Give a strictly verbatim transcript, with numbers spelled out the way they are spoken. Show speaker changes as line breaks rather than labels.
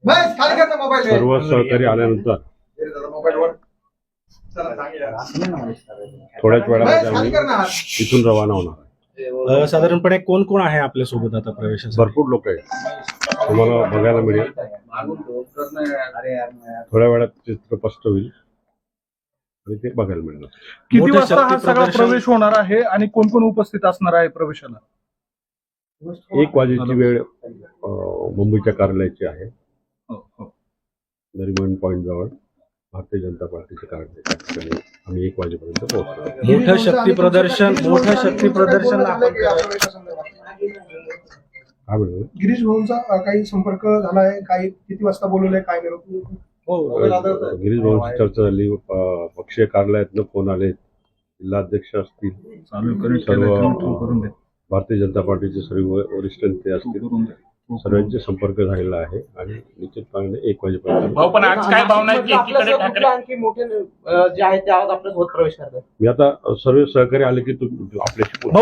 सर्व सहकारी आल्यानंतर थोड्याच वेळामध्ये आम्ही इथून रवाना होणार आहे.
साधारणपणे कोण कोण आहे आपल्या सोबत आता प्रवेशासाठी?
भरपूर लोक आहेत, तुम्हाला बघायला मिळेल. थोड्या वेळात चित्र स्पष्ट होईल आणि ते बघायला मिळणार.
किती वाजता हा सगळा प्रवेश होणार आहे आणि कोण कोण उपस्थित असणार आहे प्रवेशाला?
एक वाजेची वेळ मुंबईच्या कार्यालयाची आहे. नरिमन पॉइंट जवळ भारतीय जनता पार्टीचे कार्यालय. आम्ही एक वाजेपर्यंत पोहोचलो.
मोठं शक्ती प्रदर्शन मोठं शक्ती प्रदर्शन
काय म्हणतो?
गिरीश भाऊंचा काही संपर्क झालाय? काही किती वाजता बोलवलंय? काय
हो, गिरीश भाऊंची चर्चा झाली. पक्षीय कार्यालयातनं फोन आले, जिल्हाध्यक्ष असतील, सर्व भारतीय जनता पार्टीचे सर्व वरिष्ठ नेते असतील, सर्वांचे संपर्क झालेला आहे आणि निश्चितपणे एक वाजेपर्यंत.
पण आज काय भावना आहे की एकीकडे ठाकरे आणखी मोठे जे आहेत ते आज आपल्या सोबत प्रवेश करतात?
मी आता सर्व सहकारी आले की आपल्याशी